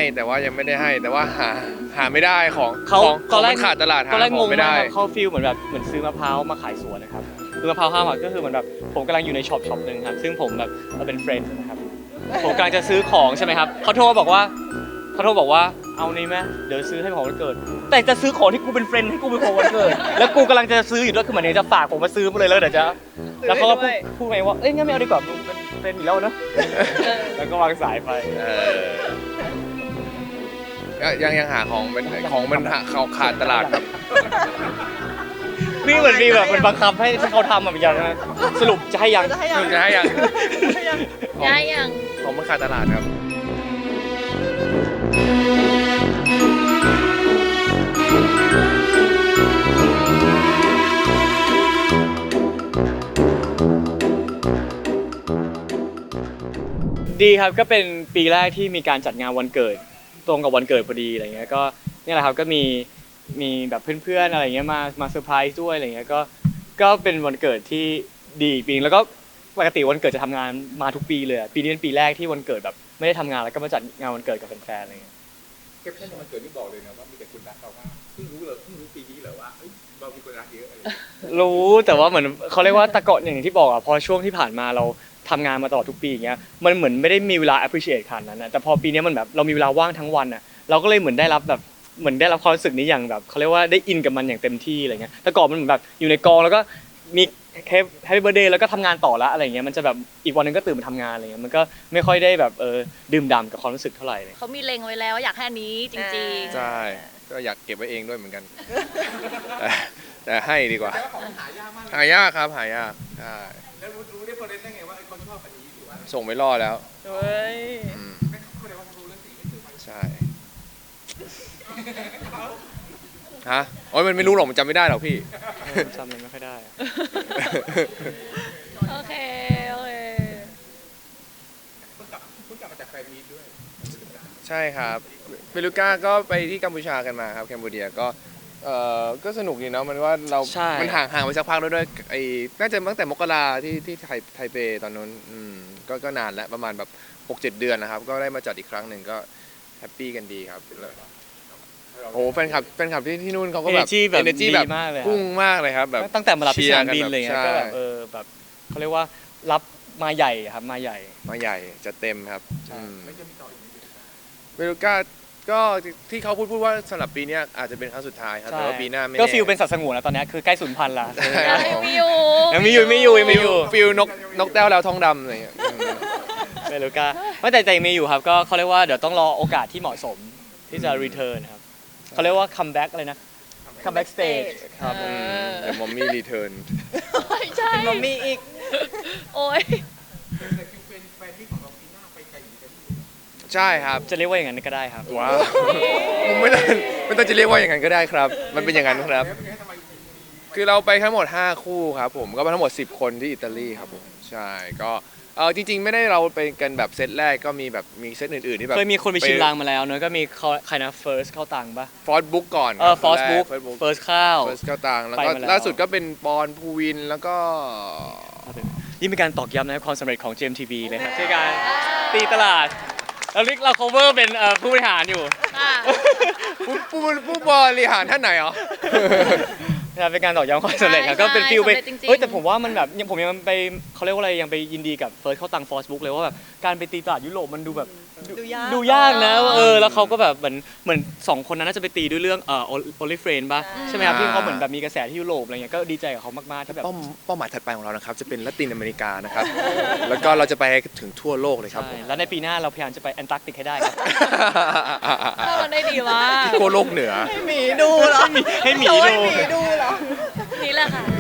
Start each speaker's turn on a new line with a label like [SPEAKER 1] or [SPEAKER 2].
[SPEAKER 1] แต่ว่ายังไม่ได้ให้แต่ว่าหาไม่ได้ของ
[SPEAKER 2] ตอนแรก
[SPEAKER 1] ขาดตลาดหา
[SPEAKER 2] ตอนแรก
[SPEAKER 1] ข
[SPEAKER 2] ง
[SPEAKER 1] อง
[SPEAKER 2] ง
[SPEAKER 1] ไม่
[SPEAKER 2] มา
[SPEAKER 1] ได้
[SPEAKER 2] กเขาฟีลเหมือนแบบเหมือนซื้อมะพร้าวมาขายสวนนะครับคือมะพร้าวห้ามก็คือเหมือนแบบผมกำลังอยู่ในช็อปหนึ่งครับซึ่งผมแบบเป็นเฟรนด์นะครับผมกำลังจะซื้อของใช่ไหมครับเขาโทรบอกว่าเอานี่ไหมเดี๋ยวซื้อให้ของวันเกิดแต่จะซื้อของที่กูเป็นเฟรนด์ให้กูเป็นของวันเกิดแล้วกูกำลังจะซื้ออยู่ด้วยคือเหมือนจะฝากผมมาซื้อมาเลยแล้วเดี๋ยวจะแล้วเขาก็พูดไปว่าเอ้ยงั้นไม่เอาดีกว่ามึงเป็นเฟรนด์อยู่แล้วเนอะแล้วก็วางสายไป
[SPEAKER 1] ยังหาของมันขาดตลาดครับ
[SPEAKER 2] นี่เหมือนมีแบบมันบังคับให้เขาทำแบบอย่างนั้นสรุปจะให้ยัง
[SPEAKER 1] จะให้ยัง
[SPEAKER 3] ได้ยัง
[SPEAKER 1] ของมันขาดตลาดครับ
[SPEAKER 2] ดีครับก็เป็นปีแรกที่มีการจัดงานวันเกิดตรงกับวันเกิดพอดีอะไรเงี้ยก็นี่แหละครับก็มีแบบเพื่อนๆอะไรเงี้ยมาเซอร์ไพรส์ด้วยอะไรเงี้ยก็เป็นวันเกิดที่ดีปีนึงแล้วก็ปกติวันเกิดจะทำงานมาทุกปีเลยปีนี้เป็นปีแรกที่วันเกิดแบบไม่ได้ทำงานแล้วก็มาจัดงานวันเกิดกับแฟนๆอะไรเงี้ย
[SPEAKER 4] แคปชั่นวันเกิดนี่บอกเลยนะว่ามีแต่คนรักเรามากเพิ่งรู้ปีนี้เหรอว่าเรามีคนรักเยอะอะไร
[SPEAKER 2] รู้แต่ว่าเหมือนเขาเรียกว่าตะเกาะอย่างที่บอกอ่ะพอช่วงที่ผ่านมาเราทำงานมาตลอดทุกปีอย่างเงี้ยมันเหมือนไม่ได้มีเวลา appreciate ขนาดนั้นนะแต่พอปีนี้มันแบบเรามีเวลาว่างทั้งวันอ่ะเราก็เลยเหมือนได้รับความรู้สึกนี้อย่างแบบเขาเรียกว่าได้อินกับมันอย่างเต็มที่อะไรเงี้ยแต่ก่อนมันเหมือนแบบอยู่ในกองแล้วก็มีแฮปปี้เบิร์ธเดย์แล้วก็ทำงานต่อละอะไรเงี้ยมันจะแบบอีกวันนึงก็ตื่นมาทำงานอะไรเงี้ยมันก็ไม่ค่อยได้แบบดื่มด่ำกับความรู้สึกเท่าไหร่เลย
[SPEAKER 3] เขามีเล็งไว้แล้วอยากให้อันนี้จริงๆ
[SPEAKER 1] ใช่ก็อยากเก็บไว้เองด้วยเหมือนกันแต่ให้ดีกว่าหายากครับหายากใช่
[SPEAKER 4] แล้วรู้ได้ประเด็นได้ไงว่าเขาชอบอันนี้หรือว่า
[SPEAKER 1] ส่งไปล่อแล้ว
[SPEAKER 3] เฮ้ย
[SPEAKER 4] ไม่เขาเลยว่ารู้เรื่องสีไม่ถึง
[SPEAKER 1] ใช่ฮะโอ้ยมันไม่รู้หรอกมันจำไม่ได้หรอกพี่
[SPEAKER 2] จำมันไม่ค่อยได้
[SPEAKER 3] โอเค
[SPEAKER 4] เพิ่งกลับมาจากแฟนมีตด้วย
[SPEAKER 1] ใช่ครับเบลูก้าก็ไปที่กัมพูชากันมาครับแคนเบอร์เรียก็สนุกดีเนาะมันว่าเรามันห่างไปสักพักแล้วด้วยไอ้น่าจะตั้งแต่มกราที่ไทเปตอนนั้นก็นานแล้วประมาณแบบ 6-7 เดือนนะครับก็ได้มาจัดอีกครั้งหนึ่งก็แฮปปี้กันดีครับโอ้แฟนคลับที่นู่นเขาก็แบบ
[SPEAKER 2] energy แบบ
[SPEAKER 1] พุ่งมากเลยครับแบบ
[SPEAKER 2] ตั้งแต่มารับที่สนามบินเลยก็แบบแบบเขาเรียกว่ารับมาใหญ่ครับมาใหญ่
[SPEAKER 1] จะเต็มครับเบลูก้าก็ที่เขาพูดว่าสำหรับปีนี้อาจจะเป็นครั้งสุดท้ายครับแต่ว่าปีหน้าไม่
[SPEAKER 2] ก็ฟิลเป็นสัตว์สงวนแล้วตอนนี้คือใกล้สูญพันธุ์ละ
[SPEAKER 3] ยังมี
[SPEAKER 2] อยู่
[SPEAKER 1] ฟิลนกแต้วแล้วทองดำอะไรอย่างเงี้ย
[SPEAKER 2] เบลูก้าไม่แต่มีอยู่ครับก็เขาเรียกว่าเดี๋ยวต้องรอโอกาสที่เหมาะสมที่จะ return ครับเขาเรียกว่า come back อะไรนะ come back stage ครับ
[SPEAKER 1] เดี๋ยวมอมมี่รีเทิร์น
[SPEAKER 3] ใช่
[SPEAKER 5] มอมมี่อีก
[SPEAKER 3] โอ้ย
[SPEAKER 4] เป็นแฟนที่ของเราปีหน้าไปไกลอยู่กัน
[SPEAKER 1] ใช่ครับ
[SPEAKER 2] จะเรียกว่าอย่างนั้นก็ได้ครับ
[SPEAKER 1] ว้าวไม่ต้องจะเรียกว่าอย่างนั้นก็ได้ครับมันเป็นอย่างนั้นครับคือเราไปทั้งหมด5คู่ครับผมก็ไปทั้งหมด10คนที่อิตาลีครับผมใช่ก็จริงๆไม่ได้เราไปกันแบบเซตแรกก็มีเซตอื่นๆที่แบบ
[SPEAKER 2] เคยมีคนไปชิมลางมาแล้วเนอะก็มีใครนะ first เข้าตังปะ
[SPEAKER 1] first book ก่อน
[SPEAKER 2] first book first
[SPEAKER 1] เข้าตังแล้วก็ล่าสุดก็เป็นปอนภูวินแล้วก็
[SPEAKER 2] นี่เป็นการตอกย้ำนะความสำเร็จของ GMTV เลยครับในการตีตลาดเรา cover เป็นผู้บริหารอยู่
[SPEAKER 1] ผู้บริหารท่านไหนอ๋อ
[SPEAKER 2] เป็นการตอกย้ำความสำเร็จครับก็เป็นฟิลไปแต่ผมว่ามันแบบผมยังไปเขาเรียกว่าอะไรยังไปยินดีกับเฟิร์สเข้าตังฟอสบุ๊กเลยว่าแบบการไปตีตลาดยุโรปมันดูแบบดูยากนะแล้วเขาก็แบบเหมือน2คนนั้นน่าจะไปตีด้วยเรื่องOnly Friends ป่ะใช่ไหมครับที่เขาเหมือนแบบมีกระแสที่ยุโรปอะไรเงี้ยก็ดีใจกับเขามากๆที่แบบ
[SPEAKER 1] เป้าหมายถัดไปของเรานะครับจะเป็นละตินอเมริกานะครับแล้วก็เราจะไปถึงทั่วโลกเลยครับ
[SPEAKER 2] แล้วในปีหน้าเราพยายามจะไปแอนตาร์กติกให้ได้ครับ
[SPEAKER 3] ถ้ามันได้ดีมาก
[SPEAKER 1] ทั่วโลกเหนือ
[SPEAKER 5] ให้หมีดูเหรอ
[SPEAKER 2] ให้หมีดู
[SPEAKER 5] เหรอ
[SPEAKER 3] นี่แหละค่ะ